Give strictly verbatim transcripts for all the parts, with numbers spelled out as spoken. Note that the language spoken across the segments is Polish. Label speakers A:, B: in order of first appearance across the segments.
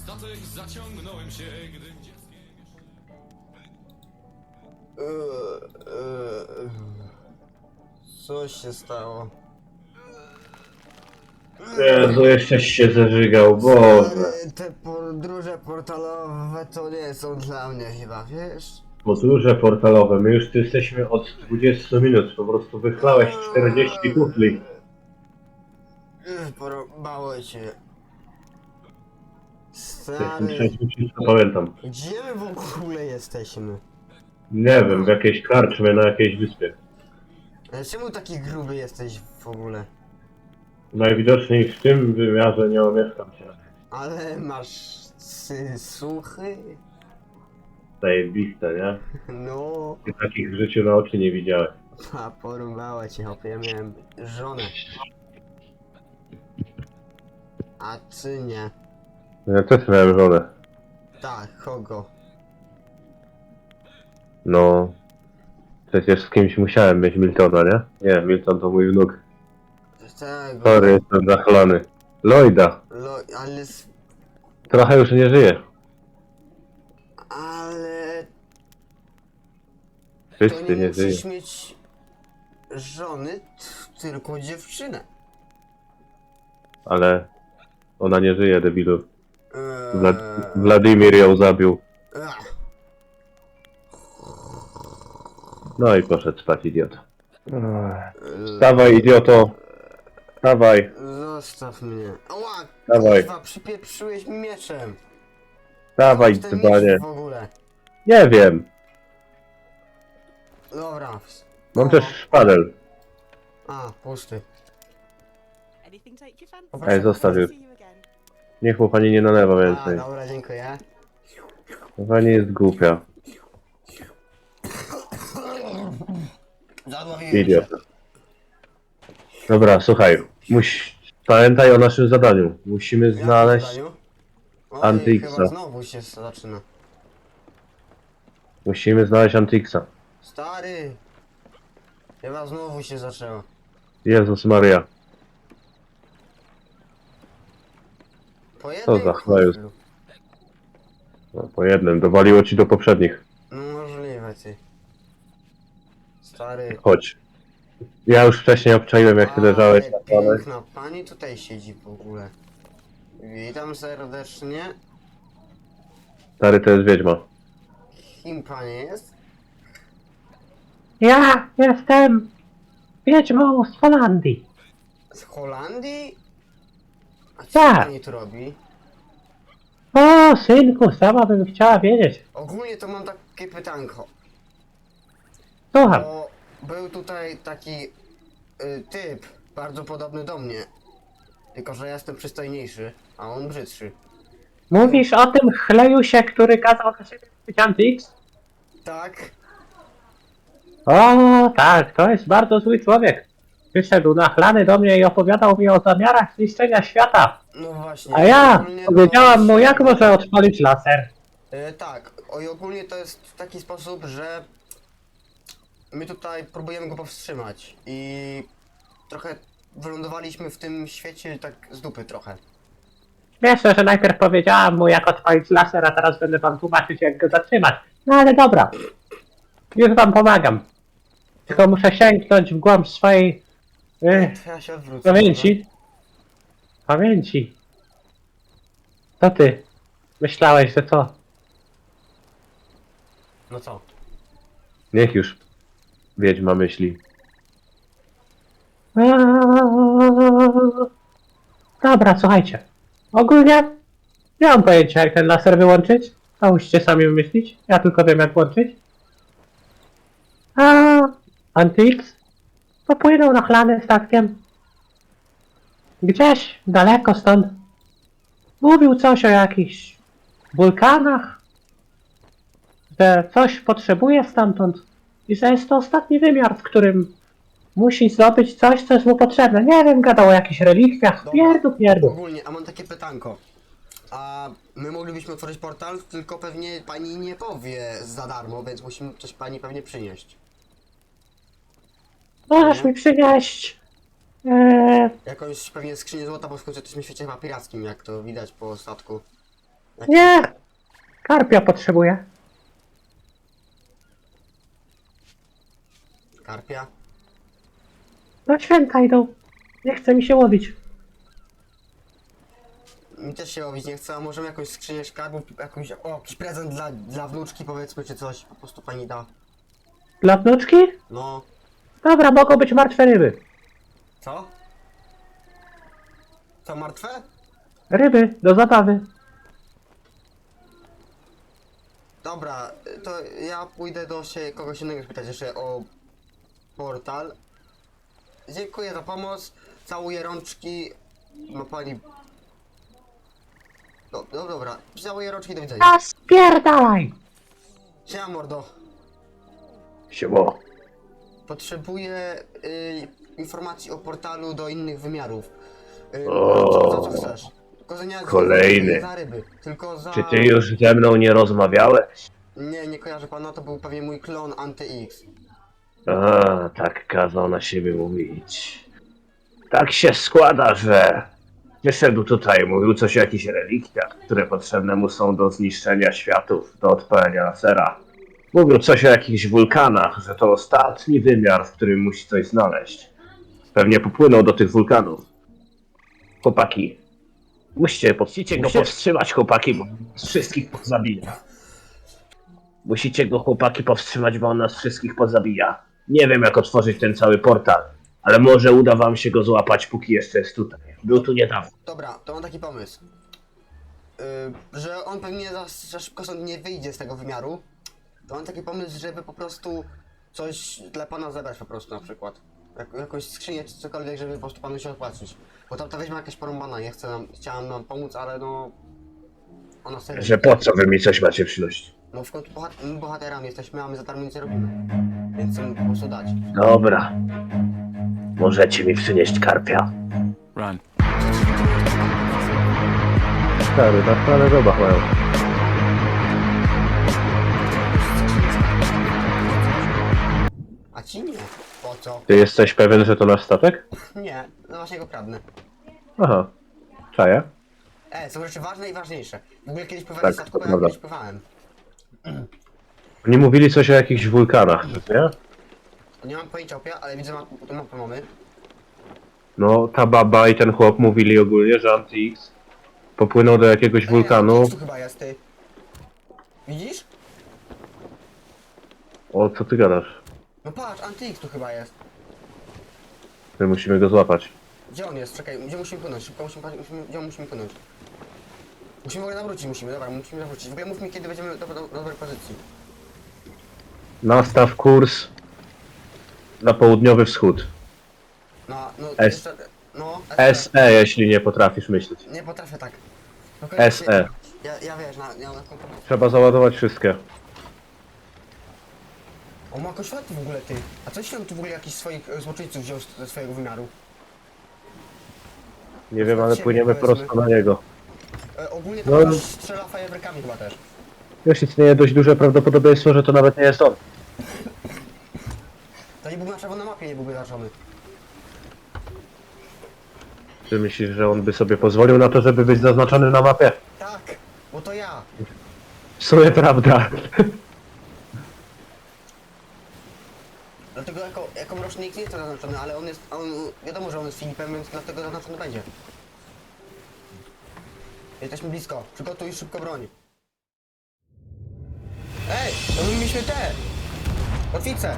A: statek zaciągnąłem się, gdy dzieckiem
B: Eee, eee, Co się stało?
C: Jezu, jeszcześ się zeżygał, Boże.
B: Stary, te podróże portalowe to nie są dla mnie chyba, wiesz?
C: Podróże portalowe, my już tu jesteśmy od dwudziestu minut, po prostu wychlałeś czterdzieści kufli.
B: Eee, Porąbało cię.
C: Jestem
B: Stary,
C: trzeźwy, wszystko pamiętam.
B: gdzie my w ogóle jesteśmy?
C: Nie wiem, w jakiejś karczmie na jakiejś wyspie.
B: Ale czemu taki gruby jesteś w ogóle?
C: Najwidoczniej w tym wymiarze nie omieszkam się.
B: Ale masz sy- suchy?
C: Zajebiste, nie?
B: No,
C: Ty takich w życiu na oczy nie widziałem.
B: a porąbało cię, hopie, ja miałem żonę. A ty nie.
C: Ja też miałem żonę.
B: Tak, kogo?
C: No... Przecież z kimś musiałem mieć Miltona, nie? Nie, Milton to mój wnuk.
B: Tego.
C: Sorry, jestem zachlany. Lloyda.
B: Lo, ale... s-
C: Trochę już nie żyje.
B: Ale... To
C: Wszyscy
B: nie
C: nie żyje.
B: musisz mieć... żony, t- tylko dziewczynę.
C: Ale... Ona nie żyje, debilu.
B: Eee,
C: Wlad Wladimir ją zabił.
B: ach,
C: No i poszedł spać, idiota.
B: eee,
C: Wstawaj, idioto! Wstawaj,
B: Zostaw mnie. Ała,
C: Dawaj.
B: kurwa, przypieprzyłeś mi mieczem.
C: wstawaj,
B: Skąd ten
C: dzbanie.
B: miecz w ogóle?
C: Nie wiem.
B: Dobra.
C: Mam
B: O,
C: też szpadel.
B: A, pusty.
D: Anything take your fancy?
B: Poproszę.
C: Ej, zostaw już.
D: See you again.
C: Niech mu pani nie nalewa
B: A,
C: więcej.
B: dobra, dziękuję.
C: Pani jest głupia.
B: Zadławiłem się.
C: Idiota. Dobra, słuchaj. Muś... Pamiętaj o naszym zadaniu. Musimy
B: W jakim
C: znaleźć...
B: zdaniu? Oj,
C: Antyxa.
B: chyba znowu się zaczyna.
C: Musimy znaleźć Antixa.
B: Stary! Chyba znowu się zaczęło.
C: Jezus Maria.
B: Po
C: Co
B: jednym
C: za chlajus.
B: kuflu.
C: No, po jednym. Dowaliło ci do poprzednich.
B: No możliwe, ty. Stary.
C: Chodź. Ja już wcześniej obczaiłem, jak ty leżałeś na
B: Ale
C: stole.
B: piękna pani tutaj siedzi w ogóle. Witam serdecznie.
C: Stary, to jest wiedźma.
B: Kim pani jest?
E: Ja jestem wiedźmą z Holandii.
B: Z Holandii? A co
E: Tak.
B: pani tu robi?
E: O, synku, sama bym chciała wiedzieć.
B: Ogólnie to mam takie pytanko.
E: Słucham,
B: Bo był tutaj taki y, typ, bardzo podobny do mnie. Tylko, że ja jestem przystojniejszy, a on brzydszy.
E: mówisz o tym chlejusie, który kazał na siebie być Antix?
B: Tak?
E: O, tak, to jest bardzo zły człowiek. Przyszedł nachlany do mnie i opowiadał mi o zamiarach zniszczenia świata.
B: No właśnie.
E: A ja
B: ogólnie to-
E: powiedziałam mu, jak może odpalić laser.
B: Y, tak, o, i ogólnie to jest w taki sposób, że my tutaj próbujemy go powstrzymać i trochę wylądowaliśmy w tym świecie tak z dupy trochę.
E: Wiesz, że najpierw powiedziałam mu, jak odpalić laser, a teraz będę wam tłumaczyć, jak go zatrzymać. No ale dobra, już wam pomagam. Tylko muszę sięgnąć w głąb swojej y,
B: To ja się odwrócę.
E: pamięci. Pamięci. To ty myślałeś, że co?
B: No co?
C: Niech już wiedźma myśli.
E: Eee, Dobra, słuchajcie. Ogólnie nie mam pojęcia, jak ten laser wyłączyć. To musicie sami wymyślić. Ja tylko wiem, jak włączyć. A Antix popłynął na chlany statkiem. Gdzieś daleko stąd. Mówił coś o jakichś wulkanach. Że coś potrzebuje stamtąd. I że jest to ostatni wymiar, w którym musi zdobyć coś, co jest mu potrzebne. Nie wiem, gadał o jakichś relikwiach.
B: Dobra.
E: Pierdu, pierdu.
B: Ogólnie, a mam takie pytanko. A my moglibyśmy otworzyć portal, tylko pewnie pani nie powie za darmo, więc musimy coś pani pewnie przynieść.
E: Możesz mi przynieść... Eee,
B: Jakąś pewnie skrzynię złota, bo w końcu jesteśmy w świecie chyba pirackim, jak to widać po statku.
E: Nie! Karpia potrzebuję.
B: Karpia?
E: No święta idą. Nie chce mi się łowić.
B: Mi też się łowić nie chce, a możemy jakąś skrzynię skarbów, jakąś, o, jakiś prezent dla, dla wnuczki powiedzmy, czy coś, po prostu pani da.
E: Dla wnuczki?
B: No,
E: Dobra, mogą być martwe ryby.
B: co? Co, martwe?
E: Ryby, do zabawy.
B: Dobra, to ja pójdę do się kogoś innego spytać jeszcze o portal. Dziękuję za pomoc, całuję rączki, ma pani... No, no dobra, całuję rączki, do widzenia.
E: A spierdalaj!
B: Siema mordo,
E: Siemo.
B: potrzebuję y, informacji o portalu do innych wymiarów. Y,
E: O,
B: co, co, co chcesz? Tylko, że nie,
E: kolejny.
B: nie za ryby, tylko za...
E: Czy ty już ze mną nie rozmawiałeś?
B: Nie, nie kojarzę pana, to był pewnie mój klon Anty-X.
E: A, tak kazał na siebie mówić. Tak się składa, że wyszedł tutaj, mówił coś o jakichś relikwiach, które potrzebne mu są do zniszczenia światów, do odpalenia lasera. Mówił coś o jakichś wulkanach, że to ostatni wymiar, w którym musi coś znaleźć. Pewnie popłynął do tych wulkanów. Chłopaki, musicie, musicie go powstrzymać, chłopaki, bo nas wszystkich pozabija. Musicie go, chłopaki, powstrzymać, bo on nas wszystkich pozabija. Nie wiem, jak otworzyć ten cały portal, ale może uda wam się go złapać, póki jeszcze jest tutaj. Był tu niedawno.
B: Dobra, to mam taki pomysł. Yy, że on pewnie za, za szybko stąd nie wyjdzie z tego wymiaru. To mam taki pomysł, żeby po prostu coś dla pana zebrać po prostu na przykład. Jak, jakąś skrzynię czy cokolwiek, żeby po prostu panu się opłacić. Bo tam ta weźmie jakaś porąbana, nie chcę nam, chciałam nam pomóc, ale no... Ona serio...
E: Że po co wy mi coś macie przynosić?
B: No w końcu bohat my bohaterami jesteśmy, a my za darmo nic nie robimy. Więc chcę mu po prostu dać.
E: Dobra. Możecie mi przynieść karpia.
A: Run.
E: Stary, na stale robach mają.
B: A ci nie. Po co?
E: Ty jesteś pewien, że to nasz statek?
B: Nie, no właśnie go kradnę.
E: Aha. Czaję?
B: E, są rzeczy ważne i ważniejsze. W ogóle kiedyś pływałem
E: Tak,
B: w statku,
E: to
B: bo ja
E: prawda.
B: kiedyś pływałem.
E: Oni mówili coś o jakichś wulkanach, nie?
B: Nie mam pojęcia opia, ale widzę, ma, tu mapę mamy.
E: No, ta baba i ten chłop mówili ogólnie, że Anti-X popłynął do jakiegoś wulkanu.
B: Ej, tu chyba jest, ty. Widzisz?
E: O, co ty gadasz?
B: No patrz, Anty-X tu chyba jest.
E: My musimy go złapać.
B: Gdzie on jest? Czekaj, gdzie musimy płynąć? Szybko musimy, musimy gdzie on musimy płynąć? Musimy w ogóle nawrócić, musimy, dobra, musimy nawrócić. W ogóle mów mi, kiedy będziemy do, do, do dobrej pozycji.
E: Nastaw kurs na południowy wschód.
B: No, no,
E: S.
B: jeszcze, no,
E: S E, jeśli nie potrafisz myśleć.
B: Nie potrafię tak. Spokojnie,
E: S E.
B: Ja, ja wiesz, na, ja na komputerze.
E: Trzeba załadować wszystkie.
B: O, ma koślaty w ogóle, ty. A coś tam tu w ogóle jakiś swoich e, złoczyńców wziął z- ze swojego wymiaru?
E: Nie wiem, ale
B: Siebie,
E: płyniemy
B: powiedzmy.
E: prosto na niego.
B: E, ogólnie
E: No.
B: to no. strzela fajerwerkami chyba też.
E: Już istnieje dość duże prawdopodobieństwo, że to nawet nie jest on.
B: To nie był na czerwonej mapie, nie byłby zaznaczony.
E: Czy myślisz, że on by sobie pozwolił na to, żeby być zaznaczony na mapie?
B: Tak, bo to ja.
E: W sumie prawda.
B: Dlatego jako, jako mroczny nikt nie jest zaznaczony, ale on jest, on, wiadomo, że on jest Filipem, więc dlatego zaznaczony będzie. Jesteśmy blisko, przygotuj szybko broń. Ej, to my mieliśmy te! Kotwice!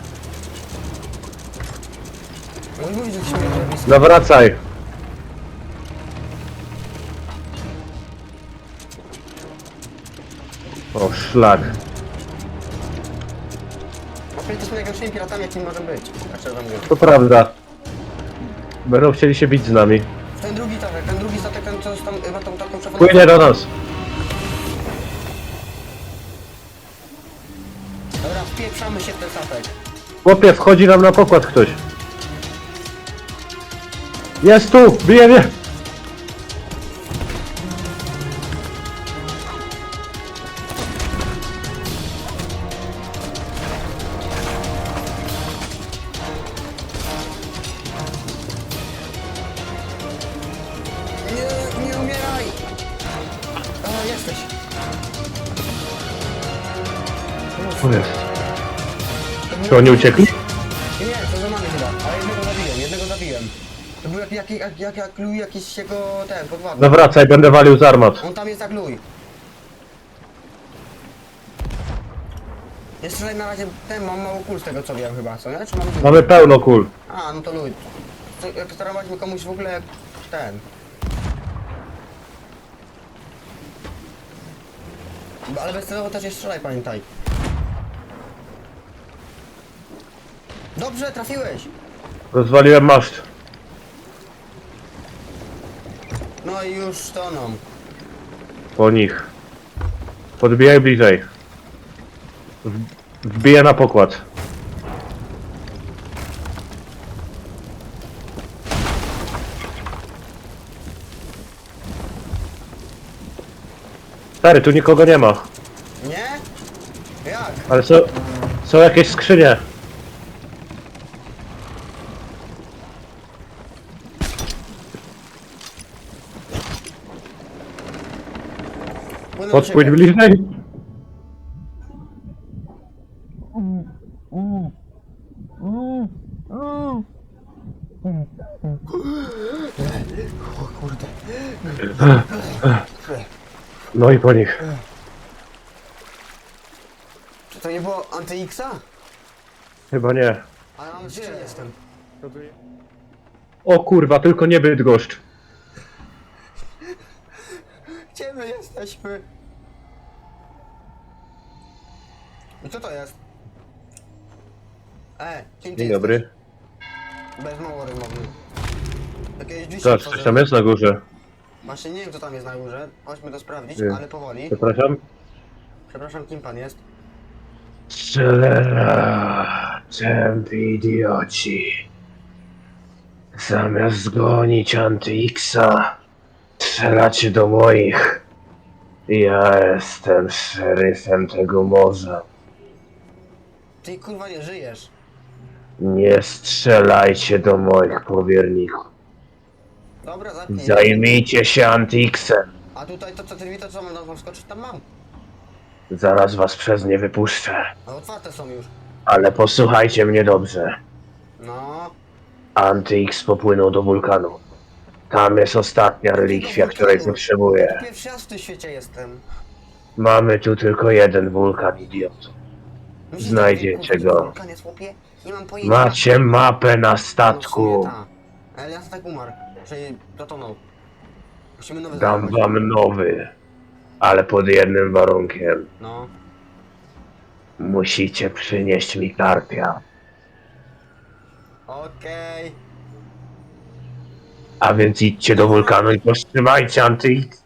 B: No i mówić, że jesteśmy że blisko.
E: No wracaj. O, szlak.
B: Bo przecież jesteśmy najgorszymi piratami, jakimi możemy być. Tak szczerze mówiąc.
E: To prawda. Będą chcieli się bić z nami.
B: Ten drugi statek, ten drugi statek, ten co tam ma tą taką czerwoną...
E: Płynie do nas.
B: Dobra, wpieprzamy się w ten statek.
E: Chłopie, wchodzi nam na pokład ktoś. Jest tu! Bije mnie!
B: Nie, nie umieraj! A, jesteś
C: O jest. Czy oni uciekli?
B: Nie, nie, to za nami chyba, ale jednego zabiłem, jednego zabiłem. To był jak, jak, jak, jak, jak luj jakiś jego, ten, podwładny.
C: Zawracaj, będę walił z armat.
B: On tam jest jak luj. Nie strzelaj na razie, ten, mam mało kul z tego co wiem chyba, co nie? Czy mam dużo?
C: Mamy pełno kul.
B: A, no to luj. To, jak starowaliśmy komuś w ogóle, ten. Ale bezcelowo też nie strzelaj, pamiętaj. Dobrze, trafiłeś!
C: Rozwaliłem maszt.
B: No i już toną.
C: Po nich. Podbijaj bliżej. W- Wbiję na pokład. Stary, tu nikogo nie ma.
B: Nie? Jak?
C: Ale są, są jakieś skrzynie.
B: Płynę do
C: Podpłyń
B: ciebie.
C: bliżej.
B: O kurde.
C: No i po nich.
B: Czy to nie było anty-Xa?
C: Chyba nie.
B: Ale mam gdzie jestem?
C: O kurwa, tylko nie Bydgoszcz.
B: Gdzie my jesteśmy? I co to jest? E, kim ty
C: Dzień
B: jesteś?
C: dobry.
B: Bez mało rymowny. Jakieś drzwi się
C: Zobacz, coś
B: otworzyły.
C: tam jest na górze.
B: Właśnie nie wiem co tam jest na górze. Chodźmy to sprawdzić,
C: Nie.
B: ale powoli.
C: Przepraszam.
B: Przepraszam, kim pan jest?
C: Cholera, tępi idioci. Zamiast zgonić Anty-Xa, strzelacie do moich. Ja jestem szeryfem tego morza.
B: Ty kurwa nie żyjesz.
C: Nie strzelajcie do moich powierników.
B: Dobra, zapnij.
C: Zajmijcie się Anty-Xem.
B: A tutaj to co ty to co mam tam skoczyć? Tam mam.
C: Zaraz was przez nie wypuszczę.
B: A otwarte są już.
C: Ale posłuchajcie mnie dobrze.
B: No.
C: Anty-X popłynął do wulkanu. Tam jest ostatnia relikwia, której potrzebuję.
B: Pierwszy raz w tym świecie jestem.
C: Mamy tu tylko jeden wulkan, idiot.
B: Myślisz,
C: Znajdziecie
B: że to
C: go.
B: wulkan jest, chłopie? Nie mam pojęcia.
C: Macie mapę na
B: No, w sumie
C: statku.
B: ta. Ale ja tak umarł. Czyli zatonął. Musimy nowy
C: Dam
B: znaleźć.
C: wam nowy. Ale pod jednym warunkiem.
B: No.
C: Musicie przynieść mi karpia.
B: Okej.
C: A więc idźcie do wulkanu i powstrzymajcie Anty-X.